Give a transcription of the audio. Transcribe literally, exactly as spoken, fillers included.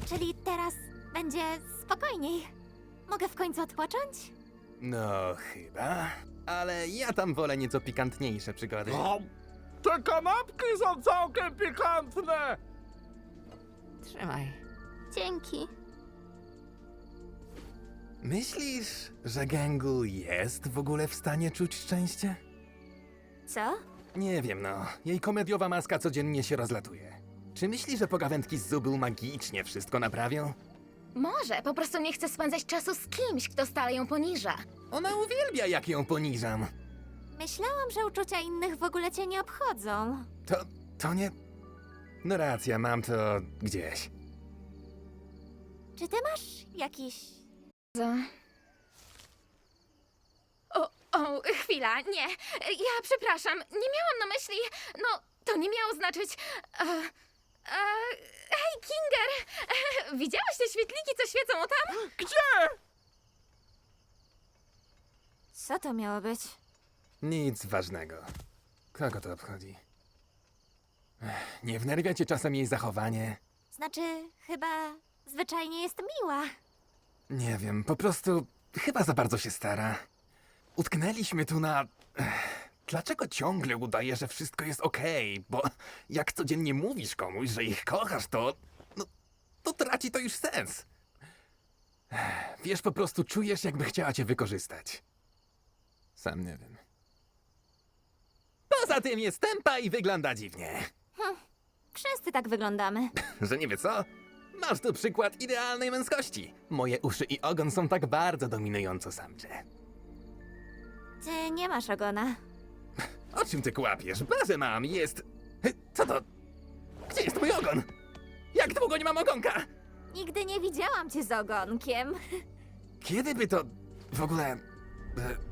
Czyli teraz będzie spokojniej. Mogę w końcu odpocząć? No, chyba. Ale ja tam wolę nieco pikantniejsze przygody. O, te kanapki są całkiem pikantne! Trzymaj. Dzięki. Myślisz, że Gęgu jest w ogóle w stanie czuć szczęście? Co? Nie wiem, no. Jej komediowa maska codziennie się rozlatuje. Czy myśli, że pogawędki z Zubul magicznie wszystko naprawią? Może po prostu nie chce spędzać czasu z kimś, kto stale ją poniża. Ona uwielbia, jak ją poniżam. Myślałam, że uczucia innych w ogóle cię nie obchodzą. To, to nie... No racja, mam to gdzieś. Czy ty masz jakiś... Co? O, o, chwila, nie. Ja przepraszam, nie miałam na myśli. No, to nie miało znaczyć. E, e, hej, Kinger! E, widziałaś te świetliki, co świecą tam? Gdzie? Co to miało być? Nic ważnego. Kogo to obchodzi? Ech, nie wnerwia cię czasem jej zachowanie? Znaczy, chyba zwyczajnie jest miła. Nie wiem, po prostu chyba za bardzo się stara. Utknęliśmy tu na... Ech, dlaczego ciągle udaje, że wszystko jest okej? Bo jak codziennie mówisz komuś, że ich kochasz, to... No, to traci to już sens. Ech, wiesz, po prostu czujesz, jakby chciała cię wykorzystać. Sam nie wiem. Poza tym jest tempa i wygląda dziwnie. Wszyscy tak wyglądamy. Że nie wie co? Masz tu przykład idealnej męskości. Moje uszy i ogon są tak bardzo dominująco samcze. Ty nie masz ogona. O czym ty kłapiesz? Bazę mam, jest... Hy, Co to? Gdzie jest mój ogon? Jak długo nie mam ogonka? Nigdy nie widziałam cię z ogonkiem. Kiedy by to... w ogóle... e,